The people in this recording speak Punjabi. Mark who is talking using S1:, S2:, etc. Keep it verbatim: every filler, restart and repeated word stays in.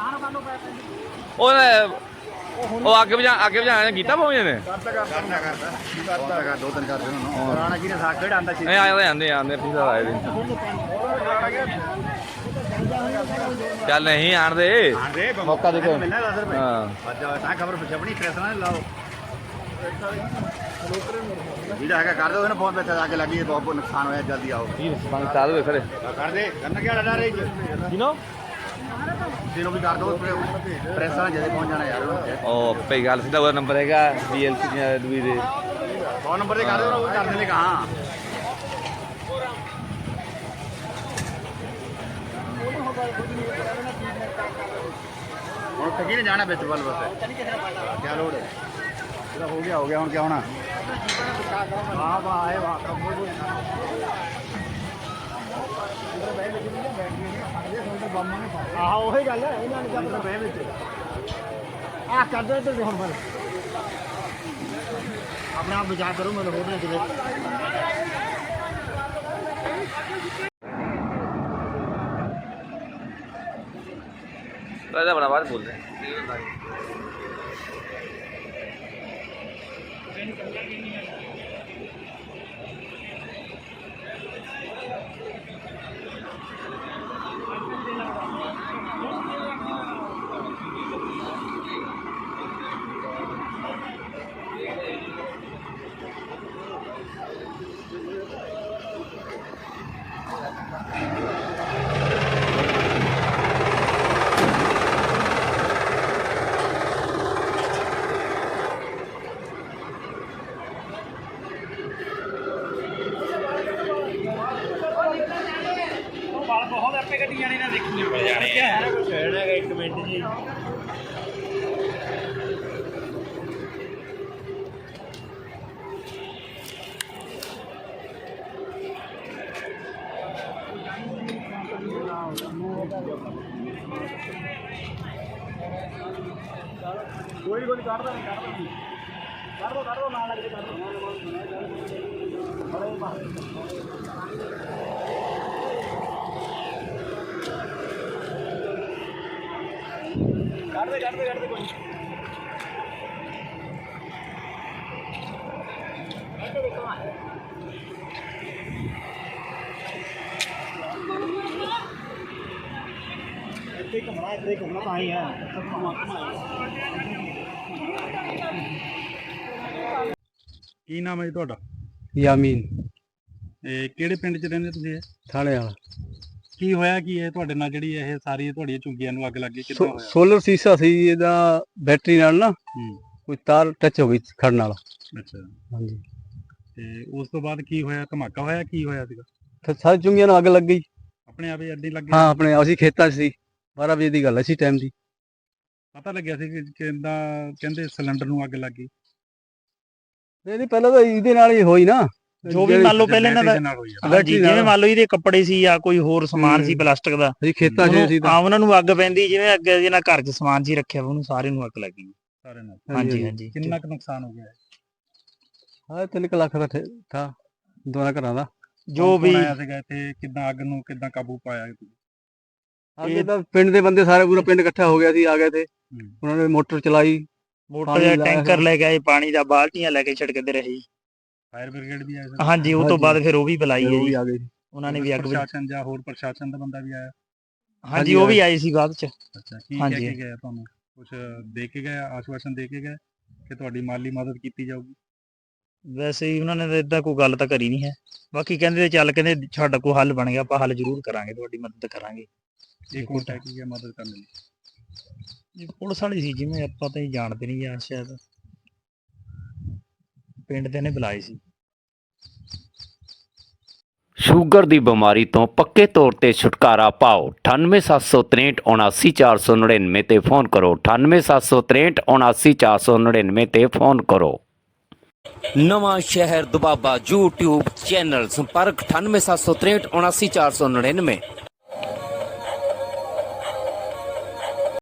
S1: ਉਹ ਅੱਗੇ ਵਜਾ ਅੱਗੇ ਵਜਾਣਾ ਕੀਤਾ ਪਹੁੰਚੇ ਨੇ
S2: ਕਰਦਾ ਕਰਦਾ ਕਰਦਾ ਕਰਦਾ ਦੋ ਤਿੰਨ ਕਰਦੇ ਉਹਨੂੰ ਪੁਰਾਣਾ ਜਿਹਨੇ ਸਾਖ ਖੇਡ ਆਂਦਾ ਸੀ
S1: ਨਹੀਂ ਆਏ ਆਂਦੇ ਆਂਦੇ ਪੀਸਾ ਆਏ ਦੇ ਚੱਲ ਨਹੀਂ ਆਣ ਦੇ ਮੌਕਾ ਦੇ ਕੇ ਹਾਂ
S2: ਅੱਜ ਤਾਂ ਖਬਰ ਪੁੱਛ ਆਪਣੀ ਪ੍ਰੈਸ ਨਾਲ ਲਾਓ ਜਿਹੜਾ ਹੈਗਾ ਕਰ ਦੋ ਨਾ ਫੋਨ ਤੇ ਆ ਕੇ ਲੱਗੀ ਬਹੁਤ ਨੁਕਸਾਨ ਹੋਇਆ ਜਲਦੀ ਆਓ
S1: ਬੰਦ ਚਾਲੂ ਹੈ ਖੜੇ
S2: ਕਰ ਦੇ ਕਰਨ ਕਿਹੜਾ ਡਰ ਰਹੀ
S1: ਕਿਨੋ
S2: ਤੈਨੂੰ ਵੀ ਕਰ ਦੋ ਪ੍ਰੈਸ ਨਾਲ ਜਦੇ ਪਹੁੰਚ ਜਾਣਾ ਯਾਰ
S1: ਉਹ ਪਈ ਗੱਲ ਸਿੱਧਾ ਉਹਦਾ ਨੰਬਰ ਹੈਗਾ ਬੀਐਲਸੀ ਦੀਆਂ ਦੂਈ ਦੇ
S2: ਫੋਨ ਨੰਬਰ ਤੇ ਕਰ ਦੋ ਉਹ ਕਰ ਦੇਣੇ ਕਹਾਂ ਹੁਣ ਠੱਗੀ ਨੇ ਜਾਣਾ ਵਿੱਚ ਵੱਲ ਬਸ ਕੀ ਲੋੜ ਹੈ ਇਹਦਾ ਹੋ ਗਿਆ ਹੋ ਗਿਆ ਹੁਣ ਕੀ ਹੋਣਾ ਵਾਹ ਵਾਹ ਆਏ ਵਾਹ ਆਹ ਉਹੀ ਗੱਲ ਹੈ ਇਹਨਾਂ ਨੇ ਜਦ ਬਹਿ ਵਿੱਚ ਆਹ ਕਰਦੇ ਤੇ ਹੁਣ ਫਿਰ ਆਪਣੇ ਆਪ ਵਿਚਾਰ ਕਰੋ ਮੈਨੂੰ ਹੋਰ ਨਾ ਕਿਤੇ
S1: ਰਾਜਾ ਬਣਾ ਬਾਤ ਬੋਲ ਰਹੇ ਬਹੁਤ ਆਪੇ ਗੱਡੀਆਂ ਨੇ ਨਾ ਦੇਖੀਆਂ ਮਿਲ ਜਾਣੇ ਆ ਕਹਿਣਾ ਇੱਕ ਮਿੰਟ ਜੀ ਕੋਈ ਕੋਈ ਕੱਢਦਾ ਨਹੀਂ ਕੱਢਦਾ ਨਹੀਂ ਕੱਢ ਦੋ ਕੱਢ ਦੋ ਨਾਲ ਲੱਗ ਕੇ ਕੱਢ ਦੋ ਕੱਢ ਦੇ ਕੱਢ ਦੇ ਕੱਢ ਦੇ ਕੋਈ ਇੱਥੇ ਹੀ ਘੁੰਮਣਾ ਇੱਥੇ ਹੀ ਘੁੰਮਣਾ ਤਾਂ ਹੀ ਹੈ ਕੀ ਨਾਮ ਹੈ ਜੀ ਤੁਹਾਡਾ
S3: ਯਾਮੀਨ
S2: ਇਹ ਕਿਹੜੇ ਪਿੰਡ 'ਚ ਰਹਿੰਦੇ ਤੁਸੀਂ ਇਹ
S3: ਥਾਣੇ ਵਾਲਾ
S2: ਕੀ ਹੋਇਆ ਕੀ ਹੈ ਤੁਹਾਡੇ ਨਾਲ ਜਿਹੜੀ ਇਹ ਸਾਰੀ ਤੁਹਾਡੀਆਂ ਝੁੱਗੀਆਂ ਨੂੰ ਅੱਗ ਲੱਗ ਗਈ ਕਿੱਦਾਂ ਹੋਇਆ
S3: ਸੋਲਰ ਸੀਸਾ ਸੀ ਇਹਦਾ ਬੈਟਰੀ ਨਾਲ ਨਾ
S2: ਹੂੰ
S3: ਕੋਈ ਤਾਰ ਟੱਚ ਹੋ ਗਈ ਖੜਨ ਨਾਲ
S2: ਅੱਛਾ
S3: ਹਾਂਜੀ
S2: ਤੇ ਉਸ ਤੋਂ ਬਾਅਦ ਕੀ ਹੋਇਆ ਧਮਾਕਾ ਹੋਇਆ ਕੀ ਹੋਇਆ ਸੀਗਾ
S3: ਤੇ ਸਾਰੀ ਚੁੰਗੀਆਂ ਨੂੰ ਅੱਗ ਲੱਗ ਗਈ
S2: ਆਪਣੇ ਆਪ ਹੀ ਅੱਡੀ ਲੱਗ ਗਈ
S3: ਹਾਂ ਆਪਣੇ ਅਸੀਂ ਖੇਤਾਂ 'ਚ ਸੀ ਬਾਰਾਂ ਵਜੇ ਦੀ ਗੱਲ ਹੈ ਸੀ ਟਾਈਮ ਦੀ
S2: ਪਤਾ ਲੱਗਿਆ ਸੀ ਕਿ ਕਿੰਦਾ ਕਹਿੰਦੇ ਸਿਲੰਡਰ ਨੂੰ ਅੱਗ ਲੱਗ ਗਈ
S3: ਨਹੀਂ ਨਹੀਂ ਪਹਿਲਾਂ ਤਾਂ ਇਹਦੇ ਨਾਲ ਹੀ ਹੋਈ ਨਾ
S4: ਜੋ ਵੀ ਮੰਨ ਲਓ ਪਹਿਲੇ ਇਹਨਾਂ ਦਾ
S2: ਬੈਟਰੀ ਦੇ ਨਾਲ ਹੋਈ ਆ।
S4: ਹਾਂਜੀ ਜਿਵੇਂ ਮੰਨ ਲਓ ਇਹਦੇ ਕੱਪੜੇ ਸੀ ਜਾਂ ਕੋਈ ਹੋਰ ਸਮਾਨ ਸੀ ਪਲਾਸਟਿਕ ਦਾ
S3: ਅਸੀਂ ਖੇਤਾਂ 'ਚ ਸੀ
S4: ਆ ਉਹਨਾਂ ਨੂੰ ਅੱਗ ਪੈਂਦੀ ਜਿਵੇਂ ਅੱਗੇ ਜਿਹਨਾਂ ਘਰ 'ਚ ਸਮਾਨ ਸੀ ਰੱਖਿਆ ਉਹਨੂੰ ਸਾਰੇ ਨੂੰ ਅੱਗ ਲੱਗ ਗਈ
S2: ਸਾਰੇ ਨਾਲ
S4: ਹਾਂਜੀ ਹਾਂਜੀ
S2: ਕਿੰਨਾ ਕੁ ਨੁਕਸਾਨ ਹੋ ਗਿਆ ਹੈ?
S3: ਹਾਂ ਤਿੰਨ ਕੁ ਲੱਖ ਦਾ ਠੇ- ਥਾ ਦੋਨਾਂ ਘਰਾਂ ਦਾ
S4: ਜੋ
S2: ਕੌਣ-
S4: ਵੀ
S2: ਕੌਣ ਆਇਆ ਸੀਗਾ ਇੱਥੇ ਕਿੱਦਾਂ ਅੱਗ ਨੂੰ ਕਿੱਦਾਂ ਕਾਬੂ ਪਾਇਆ ਤੁਸੀਂ?
S3: ਅੱਗੇ ਤਾਂ ਪਿੰਡ ਦੇ ਬੰਦੇ ਸਾਰੇ ਪੂਰਾ ਪਿੰਡ ਇਕੱਠਾ ਹੋ ਗਿਆ ਸੀ ਆ ਗਏ ਤੇ ਉਹਨਾਂ ਨੇ ਮੋਟਰ ਚਲਾਈ
S4: ਮੋਟਰ
S3: ਪਾਣੀ
S4: ਜਾਂ
S3: ਲਾਇਆ
S4: ਟੈਂਕਰ
S3: ਸੀ।
S4: ਲੈ ਕੇ ਆਏ ਪਾਣੀ ਦਾ ਬਾਲਟੀਆਂ ਲੈ ਕੇ ਛਿੜਕਦੇ ਰਹੇ
S2: ਫਾਇਰ ਬ੍ਰਿਗੇਡ ਵੀ ਆਇਆ ਸੀ
S4: ਹਾਂਜੀ ਉਹ ਤੋਂ
S3: ਹਾਂਜੀ।
S4: ਬਾਅਦ ਫਿਰ ਉਹ ਵੀ ਬੁਲਾਈ
S3: ਫਿਰ
S4: ਹੈ
S3: ਉਹ ਵੀ
S4: ਜੀ
S3: ਆ ਗਏ ਸੀ।
S4: ਉਹਨਾਂ ਨੇ ਵੀ ਅੱਗ ਬੁਝਾਈ।
S2: ਪ੍ਰਸ਼ਾਸਨ ਜਾਂ ਹੋਰ ਪ੍ਰਸ਼ਾਸਨ ਦਾ ਬੰਦਾ ਵੀ ਆਇਆ
S4: ਹਾਂਜੀ ਉਹ ਵੀ ਆਏ ਸੀ ਬਾਅਦ 'ਚ
S2: ਅੱਛਾ ਕੀ ਕਹਿ
S4: ਹਾਂਜੀ।
S2: ਕੇ ਗਿਆ ਤੁਹਾਨੂੰ ਕੁਝ ਦੇ ਕੇ ਗਏ ਆਸ਼ਵਾਸਨ ਦੇ ਕੇ ਗਏ ਕਿ ਤੁਹਾਡੀ ਮਾਲੀ ਮਦਦ ਕੀਤੀ ਜਾਊਗੀ
S4: ਵੈਸੇ ਹੀ ਉਹਨਾਂ ਨੇ ਤਾਂ ਏਦਾਂ ਕੋਈ ਗੱਲ ਤਾਂ ਕਰੀ ਨਹੀਂ ਹੈ ਬਾਕੀ ਕਹਿੰਦੇ ਚੱਲ ਕਹਿੰਦੇ ਸਾਡਾ ਕੋਈ ਹੱਲ ਬਣ ਗਿਆ ਆਪਾਂ ਹੱਲ ਜ਼ਰੂਰ ਕਰਾਂਗੇ ਤੁਹਾਡੀ ਮਦਦ ਕਰਾਂਗੇ
S2: ਇਹ ਕੋਲ ਟੈਕ ਕੀ ਮਦਦ ਕਰਨ ਲਈ
S4: ਇਹ ਪੁਲਿਸ ਵਾਲੀ ਸੀ ਜਿਵੇਂ ਆਪਾਂ ਤਾਂ ਹੀ ਜਾਣਦੇ ਨਹੀਂ ਜਾਂ ਸ਼ਾਇਦ ਪਿੰਡ ਦੇ ਨੇ ਬੁਲਾਏ ਸੀ
S5: ਸ਼ੂਗਰ ਦੀ ਬਿਮਾਰੀ ਤੋਂ ਪੱਕੇ ਤੌਰ ਤੇ ਛੁਟਕਾਰਾ ਪਾਓ ਅਠਾਨਵੇਂ ਸੱਤ ਸੌ ਤਰੇਹਠ ਉਨਾਸੀ ਚਾਰ ਸੌ ਨੜਿਨਵੇਂ ਤੇ ਫੋਨ ਕਰੋ ਅਠਾਨਵੇਂ ਸੱਤ ਸੌ ਤਰੇਹਠ ਉਨਾਸੀ ਚਾਰ ਸੌ ਨੜਿਨਵੇਂ ਤੇ ਫੋਨ ਕਰੋ। ਨਵਾਂ ਸ਼ਹਿਰ ਦੁਬਾਬਾ YouTube ਚੈਨਲ ਸੰਪਰਕ ਅਠਾਨਵੇਂ ਸੱਤ ਸੌ ਤਰੇਹਠ ਉਨਾਸੀ ਚਾਰ ਸੌ ਨੜਿਨਵੇਂ।